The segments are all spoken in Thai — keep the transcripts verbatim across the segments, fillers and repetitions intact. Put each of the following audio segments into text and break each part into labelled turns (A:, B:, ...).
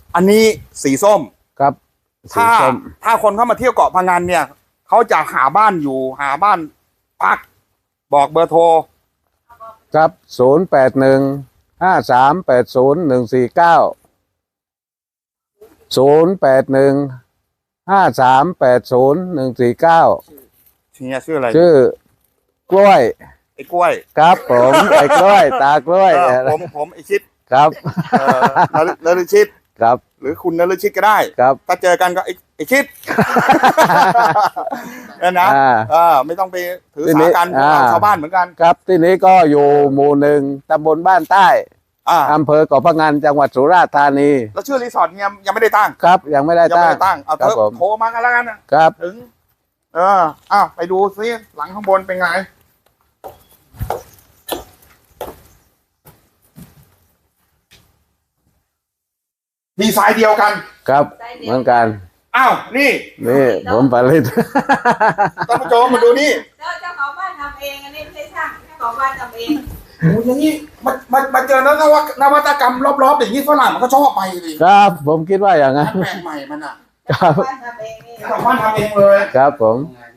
A: อันนี้สีส้ม
B: ครับ
A: ถ้าถ้าคนเข้ามาเที่ยวเกาะพะงันเนี่ยเขาจะหาบ้านอยู่หาบ้านพักบอกเบอร์โทร
B: ครับศูนย์แปดหนึ่งห้าสามแปดศูนย์หนึ่งสี่เก้าศูนย์แปดหนึ่งห้าสามแปดศูนย์หนึ่งสี่เก้า
A: เฮียชื่ออะไร
B: ชื่อกล้วย
A: ไอ้กล้วย
B: ครับผมไอ้กล้วยตากล้วย
A: ผมผมไอ้ชิด
B: ครับ
A: นฤชิต
B: ครับ
A: หรือคุณนฤชิตก็ได้
B: ครับ
A: ถ้าเจอกันก็ไอ้ไอ้ชิดนั่นนะอ่าไม่ต้องไปถือสากันชาวบ้านเหมือนกัน
B: ครับที่นี้ก็อยู่หมู่หนึ่งตำบลบ้านใต้อำเภอเกาะพะงันจังหวัดสุราษฎร์ธานี
A: แล้วชื่อรีสอร์ทเนี่ยยังไม่ได้ตั้ง
B: ครับยังไม่ได้ตั้ง
A: ตั้งเอาเถอะโทรมากันแล้วกัน
B: ครับ
A: ถึงเอออ้าวไปดูซิหลังข้างบนเป็นไงมีสายเดียวกัน
B: ครับเหมือนกัน
A: อ้าวนี่
B: นี่ผมผลิต
A: ท่านผู้ชมมาดูนี่
C: เจ้าของบ้านทำเองอันนี้ไม่ใช่ช่างเจ้าของบ้านทำเอง
A: โอ้ยอย่างนี้มามามาเจอแล้วนวัตนวัตกรรมรอบๆอย่างนี้ฝรั่งมันก็ชอบไปดิ
B: ครับผมคิดว่าอย่างนั้น
A: แปลกใหม่มันอ่ะ
B: ครับ
C: บ้านทำเองนี่
A: เจ้าของบ้านทำเองเลย
B: ครับผม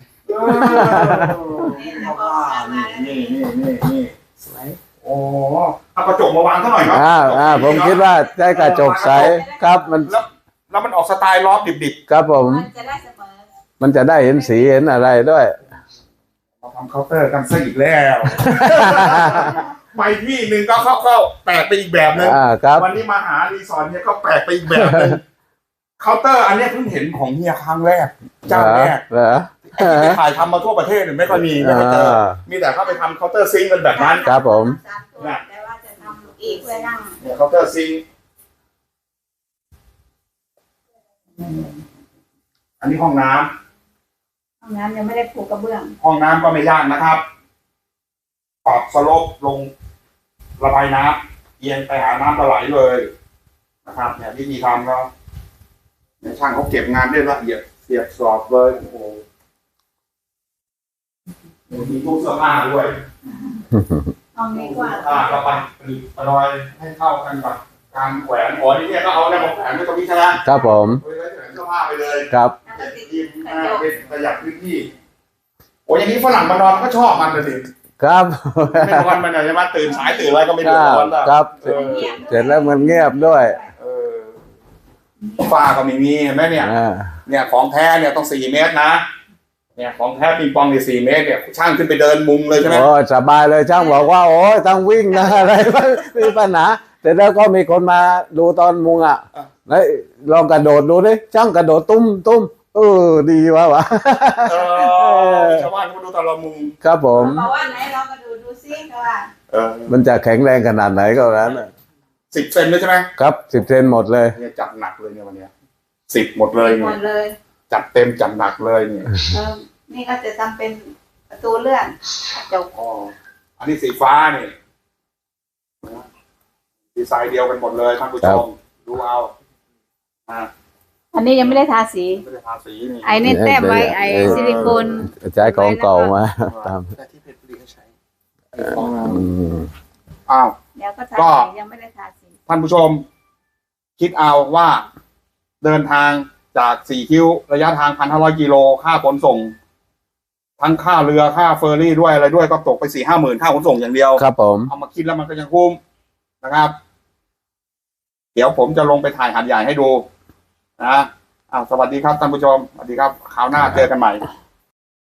A: นี่นี่นี่นี่สวยโอ้เอากระจกมาวางเท่าหน่อยครับ
B: อ่าอ่าผมคิดว่าใช้กระจกใสครับมัน
A: แล้วแล้วมันออกสไตล์ล้อดิบ
B: ๆครับผม
C: มันจะได้เสมอ
B: มันจะได้เห็นสีเห็นอะไรด้วย
A: มาทำเคาน์เตอร์กันซะอีกแล้วไปที่หนึ่งก็เข้าเข้าแปลกไปอีกแบบนึงวันนี้มาหารีสอร์ทเนี่ยก็แปลกไปอีกแบบนึงเคาน์เตอร์อันนี้เพิ่งเห็นของเฮียครั้งแรกเจ้าแรก
B: เหรอ
A: ที่ถ่ายทำมาทั่วประเทศไม่ค่อยมีไม่ค่อยเจอมีแต่เข้าไปทำเคาน์เตอร์ซิงค์กันแบบนั้น
B: ครับผม
C: แต่ว่าจะทำอีกเพื่อนั่ง
A: เนี่ยเคาน์เตอร์ซิงค์อันนี้ห้องน้
C: ำห้องน้ำยังไม่ได้ปูกระเบื้อง
A: ห้องน้ำก็ไม่ยากนะครับปรับสโลปลงระบายน้ำเอียงไปหาน้ำไหลเลยนะครับเนี่ยวิธีทำก็เนี่ยช่างเขาเก็บงานได้ละเอียดเสียบสอบเลยโอ้โหมีตู้เสื้อผ้าด้วย
C: ห้องนี้กว่า
A: อ่าเราไปประดอยให้เข้ากันกับการแขวนอ๋อนี่เนี่ยก็เอาเนี่ยมาแขวนไว้ตรงนี้ใช่ไหม
B: ครับผม
A: ไว้แขวนเสื้อผ้าไปเลย
B: ครับ
A: ยิมเป็นประหยัดพื้นที่โอ้ยอย่างนี้ฝรั่งมานอนก็ชอบมันเลยดิ
B: ครับ
A: ไม่นอนมันใช่ไหมตื่นสายตื่นอะไรก็ไม่ดูนอน
B: ครับเสร็จแล้วมันเงียบด้วย
A: เออฝ้าก็ไม่มีเห็นไหมเนี่ยเนี่ยของแท้เนี่ยต้องสี่เมตรนะเนี่ยของแท้ปิงปองเนี่ยสี่เมตรเนี่ยช่างขึ้นไปเดินมุงเลยใช่ไหม
B: โอ้สบายเลยช่างบอกว่าโอ้ยต้องวิ่งนะอะไรไม่มีปัญหาแต่แล้วก็มีคนมาดูตอนมุงอ่ะแล้วลองกระโดดดูดิช่างกระโดดตุ้มตุ้มเออดีวะวะ
A: ชาวบ้านเขาดูตอนเรามุง
B: ครับผม
C: บอกว่าไหนลองกระโดดดูซิเขาว่า
B: มันจะแข็งแรงขนาดไหนก็แล้ว
A: สิบเซนเลยใช่ไหม
B: ครับสิบเซนหมดเลย
A: เนี่ยจัดหนักเลยเนี่ยวันนี้สิบหมดเลย
C: หมดเลย
A: จัดเต็มจัดหนักเลยเนี่ย
C: นี่ก็จะทำเป็นประตูเลื่อนเจ้า
A: อ๋ออันนี้สีฟ้านี่ดีไซน์เดียวกันหมดเลยท่านผู้ชมดูเอาอ่า
C: อันนี้ยังไม่ได้ทาสี
A: ไม่ได้ทาสีนี่
C: ไอ้นี่แต้มไว้ไอ้ซิลิโคน
B: ใช้ของเก่ามาตาม
A: แต่ที่เพชรบุรีเขาใช้อ้าว
C: เดี๋ยวก็ทาสียังไม่ได้ทาสี
A: ท่านผู้ชมคิดเอาว่าเดินทางจากสี่คิ้วระยะทางพันห้าร้อยกิโลค่าขนส่งทั้งค่าเรือค่าเฟอร์รี่ด้วยอะไรด้วยก็ตกไปสี่ห้าหมื่นค่าขนส่งอย่างเดียว
B: ครับผม
A: เอามาคิดแล้วมันก็ยังคุ้มนะครับเดี๋ยวผมจะลงไปถ่ายหาดใหญ่ให้ดูนะอ้าวสวัสดีครับท่านผู้ชมสวัสดีครับคราวหน้าเจอกันใหม่